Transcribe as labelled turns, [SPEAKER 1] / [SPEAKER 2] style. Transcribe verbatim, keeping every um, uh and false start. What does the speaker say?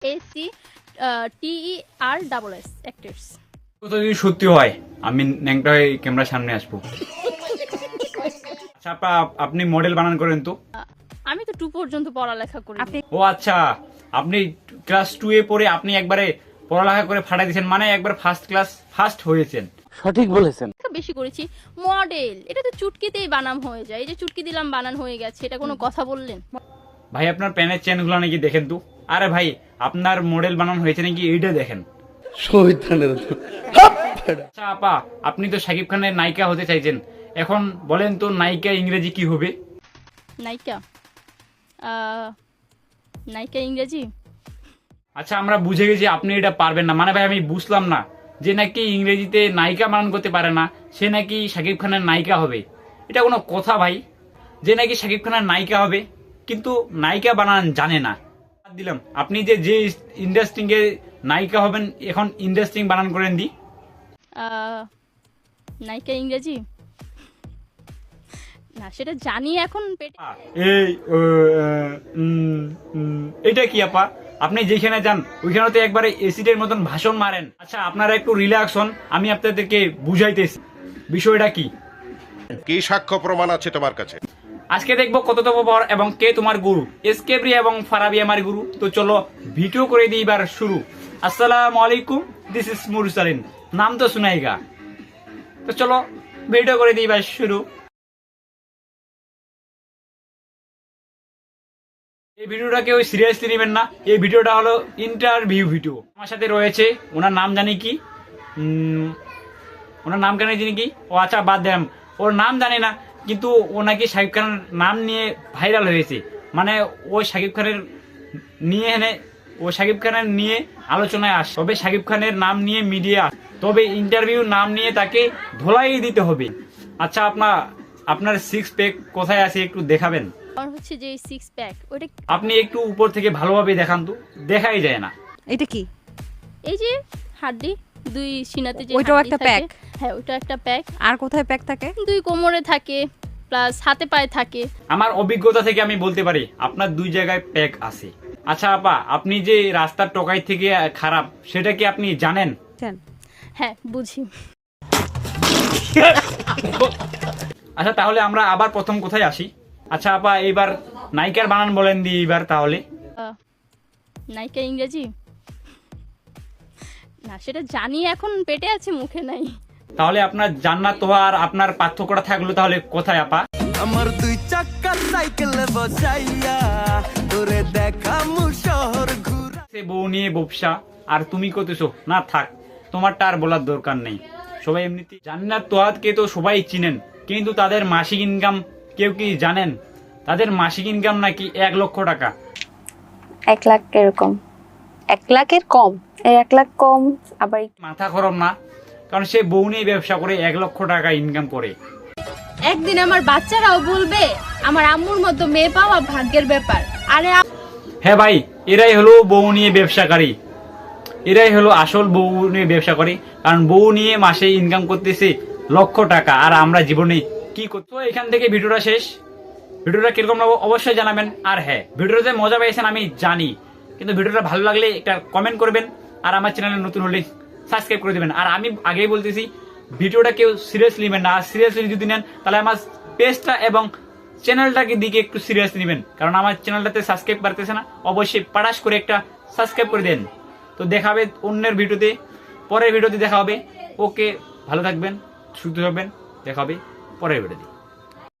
[SPEAKER 1] এ C T E R double S actors.
[SPEAKER 2] তো যদি সত্যি হয় আমি ন্যাংটা হয়ে ক্যামেরার সামনে আসবো। আচ্ছা আপা, আপনি মডেল বানান করেন তো?
[SPEAKER 1] আমি তো টু পর্যন্ত পড়ালেখা করি। আপনি
[SPEAKER 2] ও আচ্ছা, আপনি ক্লাস টু এ পড়ে আপনি একবারে পড়ালেখা করে ফাটাই দিয়েছেন, মানে একবার ফার্স্ট ক্লাস ফার্স্ট হয়েছেন।
[SPEAKER 3] সঠিক বলেছেন।
[SPEAKER 1] বেশি করেছি। মডেল এটা তো চুটকিতেই বানাম হয়ে যায়। এই যে চুটকি দিলাম বানান হয়ে গেছে, এটা কোনো কথা বললেন?
[SPEAKER 2] ভাই আপনার প্যানের চেনগুলো নাকি দেখেন তো। আরে ভাই আপনার মডেল বানান হয়েছে নাকি এইটা দেখেন। আচ্ছা আপা, আপনি তো শাকিব খানের নায়িকা হতে চাইছেন, এখন বলেন তো নায়িকা ইংরেজি কি হবে?
[SPEAKER 1] নায়িকা আহ, নায়িকা ইংরেজি
[SPEAKER 2] আচ্ছা আমরা বুঝে গেছি আপনি এটা পারবেন না, মানে ভাই আমি বুঝলাম না যে নাকি ইংরেজিতে নায়িকা বানান করতে পারে না সে নাকি শাকিব খানের নায়িকা হবে। এটা কোনো কথা ভাই? যে নাকি শাকিব খানের নায়িকা হবে কিন্তু নায়িকা বানান জানে না। বাদ দিলাম, আপনি যে যে ইন্ডাস্ট্রিং এর নায়িকা হবেন এখন ইন্ডাস্ট্রিং বানান করেন দি।
[SPEAKER 1] আহ, নায়িকা ইংরেজি না, সেটা জানি এখন পেটে।
[SPEAKER 2] এই ও, আহ, উম, উম, এটা কি আপা? আপনি যেখানে যান ওইখানে তো একবারে এসিডের মতন ভাষণ মারেন। আচ্ছা আপনারা একটু রিল্যাক্স হন, আমি আপনাদেরকে বুঝাইতেছি বিষয়টা কি।
[SPEAKER 4] কি সাক্ষ্য প্রমাণ আছে তোমার কাছে?
[SPEAKER 2] আজকে দেখবো কততম বর এবং কে তোমার গুরু। এসকেব্রি এবং ফারাবি আমার গুরু। তো চলো ভিডিও করে দিই এবার শুরু। আসসালামু আলাইকুম, দিস ইজ মুরসালিন, নাম তো শুনাইগা। তো চলো ভিডিও করে দিই এবার শুরু। এই ভিডিওটা কেউ সিরিয়াসলি নেবেন না, এই ভিডিওটা হলো ইন্টারভিউ ভিডিও। আমার সাথে রয়েছে, ওনার নাম জানি কি, উম, ওনার নাম কেন জানি কি, ও আচ্ছা বাদ দেন, ওর নাম জানি না, কিন্তু ও নাকি শাকিব খানের নাম নিয়ে ভাইরাল হয়েছে। মানে ও শাকিব খানের নিয়ে এনে ও শাকিব খানের নিয়ে আলোচনায় আসে, তবে শাকিব খানের নাম নিয়ে মিডিয়া আসে, তবে ইন্টারভিউ নাম নিয়ে তাকে ধোলাই দিতে হবে। আচ্ছা আপনার আপনার সিক্স প্যাক কোথায় আছে একটু দেখাবেন?
[SPEAKER 1] আমার হচ্ছে যে সিক্স প্যাক, ওইটা
[SPEAKER 2] আপনি একটু উপর থেকে ভালোভাবে দেখান তো, দেখাই যায় না।
[SPEAKER 5] এটা কি?
[SPEAKER 1] এই যে হাড্ডি দুই সিনাতে যে
[SPEAKER 5] ওইটাও
[SPEAKER 1] হাড্ডি
[SPEAKER 5] একটা
[SPEAKER 1] থাকে,
[SPEAKER 5] প্যাক?
[SPEAKER 1] হ্যাঁ ওইটা একটা প্যাক।
[SPEAKER 5] আর কোথায় প্যাক থাকে?
[SPEAKER 1] দুই কোমরে থাকে, প্লাস হাতে পায়ে থাকে।
[SPEAKER 2] আমার অভিজ্ঞতা থেকে আমি বলতে পারি আপনার দুই জায়গায় প্যাক আছে। আচ্ছা আপা, আপনি যে রাস্তার টোকাই থেকে খারাপ সেটা কি আপনি জানেন?
[SPEAKER 5] জান।
[SPEAKER 1] হ্যাঁ বুঝি।
[SPEAKER 2] আচ্ছা তাহলে আমরা আবার প্রথম কোথায় আসি। আচ্ছা আপা এইবার নায়িকার বানান বলেন দি এইবার তাহলে।
[SPEAKER 1] আহ, নায়িকা ইংরেজি না, সেটা জানি এখন পেটে আছে মুখে নাই।
[SPEAKER 2] তাহলে আপনার জান্নাত তো আর আপনার পার্থক্যটা থাকলো তাহলে কোথায় আপা?
[SPEAKER 6] আমার দুই চাকা সাইকেলে বসাইয়া তোরে দেখামু শহর ঘুরা।
[SPEAKER 2] সে বউ নিয়ে ব্যবসা আর তুমি করতেছো না, থাক তোমারটা আর বলার দরকার নেই। সবাই এমনিতে জান্নাত তোহাদকে তো সবাই চিনেন, কিন্তু তাদের মাসিক ইনকাম কেউ কি জানেন? তাদের মাসিক ইনকাম নাকি এক লক্ষ টাকা।
[SPEAKER 7] এক লাখ এরকম,
[SPEAKER 5] এক লাখের কম?
[SPEAKER 7] এই এক লাখ কম আবার একটু।
[SPEAKER 2] মাথা খরম না, কারণ সে বউ নিয়ে ব্যবসা করে এক লক্ষ টাকা ইনকাম করে।
[SPEAKER 8] একদিন আমার বাচ্চারাও বলবে আমার আম্মুর মতো মেয়ে পাওয়া ভাগ্যের ব্যাপার। আরে
[SPEAKER 2] হ্যাঁ ভাই, এরাই হলো বউ নিয়ে ব্যবসাকারী, এরাই হলো আসল বউ নিয়ে ব্যবসা করে, কারণ বউ নিয়ে মাসে ইনকাম করতেছে লক্ষ টাকা, আর আমরা জীবনে কি করতো। এখান থেকে ভিডিওটা শেষ। ভিডিওটা কিরকম লাগলো অবশ্যই জানাবেন। আর হ্যাঁ, ভিডিওতে মজা পেয়েছেন আমি জানি, কিন্তু ভিডিওটা ভালো লাগলে একটা কমেন্ট করবেন, আর আমার চ্যানেলে নতুন হলে সাবস্ক্রাইব করে দেবেন। আর আমি আগেই বলতেছি ভিডিওটা কেউ সিরিয়াসলি নেবেন না, আর সিরিয়াসলি যদি নেন তাহলে আমার পেজটা এবং চ্যানেলটাকে দিকে একটু সিরিয়াসলি নেবেন, কারণ আমার চ্যানেলটাতে সাবস্ক্রাইব পারতেছে না। অবশ্যই পাড়াস করে একটা সাবস্ক্রাইব করে দেন। তো দেখা হবে অন্যের ভিডিওতে, পরের ভিডিওতে দেখা হবে। ওকে, ভালো থাকবেন, সুস্থ থাকবেন, দেখা হবে পরের ভিডিওতে।